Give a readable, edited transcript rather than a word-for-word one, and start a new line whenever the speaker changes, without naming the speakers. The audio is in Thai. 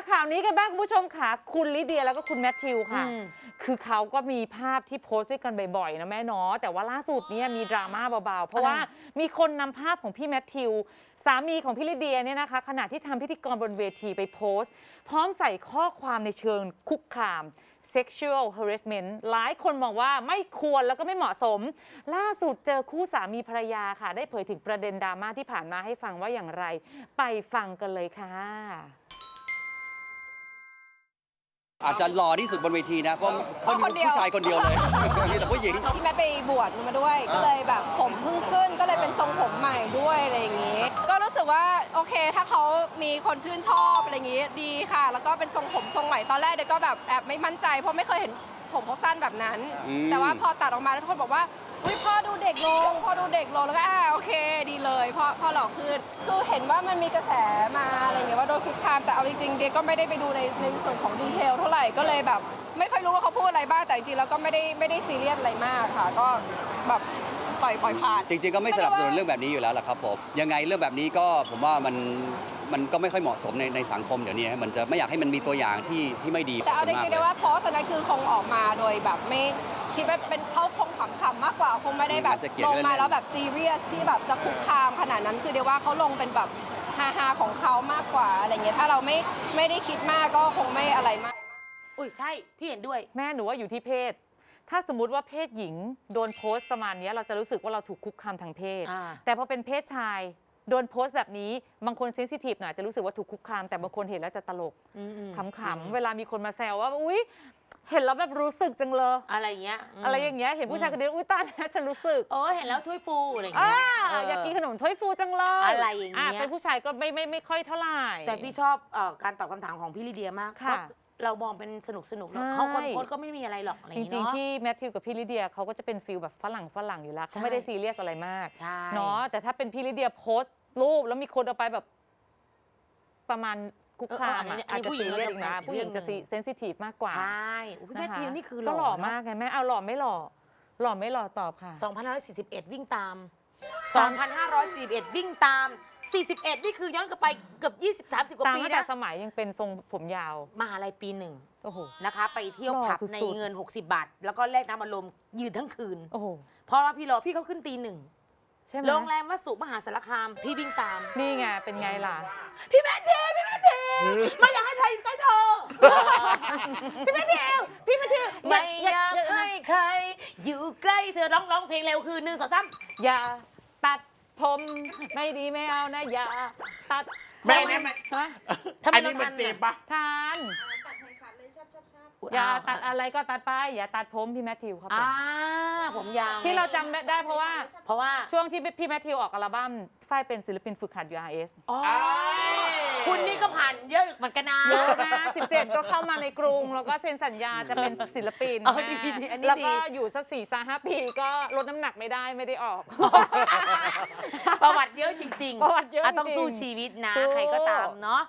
ข่าวนี้กันบ้างคุณผู้ชมค่ะคุณลิเดียแล้วก็คุณแมทธิวค่ะคือเขาก็มีภาพที่โพสต์ด้วยกันบ่อยๆนะแม่เนาะแต่ว่าล่าสุดเนี่ยมีดราม่าเบาๆเพราะว่ามีคนนำภาพของพี่แมทธิวสามีของพี่ลิเดียเนี่ยนะคะขณะที่ทำพิธีกรบนเวทีไปโพสต์พร้อมใส่ข้อความในเชิงคุกคาม sexual harassment หลายคนมองว่าไม่ควรแล้วก็ไม่เหมาะสมล่าสุดเจอคู่สามีภรรยาค่ะได้เผยถึงประเด็นดราม่าที่ผ่านมาให้ฟังว่าอย่างไรไปฟังกันเลยค่ะ
อาจจะหล่อที่สุดบนเวทีนะเพราะมีผู้ชายคนเดียวเลยมีแต่ผู้หญิง
พี่แม่ไปบวชมาด้วยก็เลยแบบผมเพิ่งขึ้นก็เลยเป็นทรงผมใหม่ด้วยอะไรอย่างงี้ก็รู้สึกว่าโอเคถ้าเขามีคนชื่นชอบอะไรอย่างงี้ดีค่ะแล้วก็เป็นทรงผมทรงใหม่ตอนแรกเด็กก็แบบแอบไม่มั่นใจเพราะไม่เคยเห็นผมเขาสั้นแบบนั้นแต่ว่าพอตัดออกมาแล้วทุกคนบอกว่าอุ้ยพ่อดูเด็กลงแล้วก็โอเคดีเลยพอหล่อขึ้นคือเห็นว่ามันมีกระแสมาอะไรอย่างเงี้ยว่าโดนคุกคามแต่เอาจริงๆเดียก็ไม่ได้ไปดูในส่วนของดีเทลเท่าไหร่ก็เลยแบบไม่ค่อยรู้ว่าเขาพูดอะไรบ้างแต่จริงๆแล้วก็ไม่ได้ซีเรียสอะไรมากค่ะก็แบบปล่อยผ่าน
จริงๆก็ไม่สนับสนุนเรื่องแบบนี้อยู่แล้วล่ะครับผมยังไงเรื่องแบบนี้ก็ผมว่ามันก็ไม่ค่อยเหมาะสมในสังคมเดี๋ยวนี้มันจะไม่อยากให้มันมีตัวอย่างที่ไม่ดี
แต่เอาจริงๆได้ว่าโพสต์นั้นคือคงออกมาโดยแบบไม่คิดว่าเป็นเขาคงขำๆมากกว่าคงไม่ได้แบบลงมาแล้วแบบซีเรียสที่แบบจะคุกคามขนาดนั้นคือเดี๋ยวว่าเขาลงเป็นแบบฮาๆของเขามากกว่าอะไรเงี้ยถ้าเราไม่ได้คิดมากก็คงไม่อะไรมาก
อุ้ยใช่พี่เห็นด้วย
แม่หนูว่าอยู่ที่เพศถ้าสมมติว่าเพศหญิงโดนโพสต์ประมาณนี้เราจะรู้สึกว่าเราถูกคุกคามทางเพศแต่พอเป็นเพศชายโดนโพสต์แบบนี้บางคนเซนซิทีฟหน่อยจะรู้สึกว่าถูกคุกคามแต่บางคนเห็นแล้วจะตลกขำๆเวลามีคนมาแซวว่าอุ๊ยเห็นแล้วแบบรู้สึกจังเลย
อะไรเงี้ย
เห็นผู้ชายคนนี้อุ๊ยตาเนี่ยฉันรู้สึก
เห็นแล้วถ้วยฟูอะไรเงี้ย
อยากกินขนมถ้วยฟูจังเลย
อะไรอย่างเงี้ย
เป็นผู้ชายก็ไม่ค่อยเท่าไหร่
แต่พี่ชอบการตอบคำถามของพี่ลิเดียมากเรามองเป็นสนุกเขาคนโพสก็ไม่มีอะไรหรอก
จริงๆพี่แมทธิวกับพี่ลิเดียเขาก็จะเป็นฟิลแบบฝรั่งอยู่แล้วเขาไม่ได้ซีเรียสอะไรมากเนาะแต่ถ้าเป็นพี่ลิเดียโพสต์รูปแล้วมีคนเอาไปแบบประมาณคุกคามอาจจะซีเรียสนะผู้หญิงจะเซนซิทีฟมากกว่า
ใช่พี่แมทธิวนี่คือ
หล่อมากไงแม่เอาหล่อไม่หล่อตอบค่ะ
2541วิ่งตาม2541วิ่งตาม41นี่คือย้อนกลับไปเกือบ20-30กว่าปีนะ
แต่สมัยยังเป็นทรงผมยาว
มหาลัยปี1
โอ้โห
นะคะไปเที่ยวผับในเงิน60 บาทแล้วก็แลกน้ำอารมณ์ยืนทั้งคืนโอ้โหเพราะว่าพี่เขาขึ้นตี 1โรงแรมวสุมหาสารคามพี่วิ่งตาม
นี่ไงเป็นไงล่ะ
พี่แม่เทไม่อยากให้ใครอยู่ใกล้เธอ
พี่แม่เท
ไม่อยากให้ใครอยู่ใกล้เธอร้องเพลงเร็วคือ1 2 3
อย่าตัดผมไม่ดีไม่เอานะอย่าตัด
แม่เนี่ยอันนี้มันเจ็บปะ
ทานอย่าตัดอะไรก็ตัดไปอย่าตัดผมพี่แมทธิวครับ
ผมยาว
ที่เราจำได้เพราะว่าช่วงที่พี่แมทธิวออกอัลบั้มฝ้ายเป็นศิลปินฝึกหัด URS
คุณนี่ก็ผ่านเยอะเหมือนกันนะ
เยอะนะ17ก็เข้ามาในกรุงแล้วก็เซ็นสัญญาจะเป็นศิลปินแล้วก็อยู่สัก4-5 ปีก็ลดน้ำหนักไม่ได้ออก
ประวัติเยอะจริง
ๆประวัติเยอะ
ต้องสู้ชีวิตนะใครก็ตามเนาะ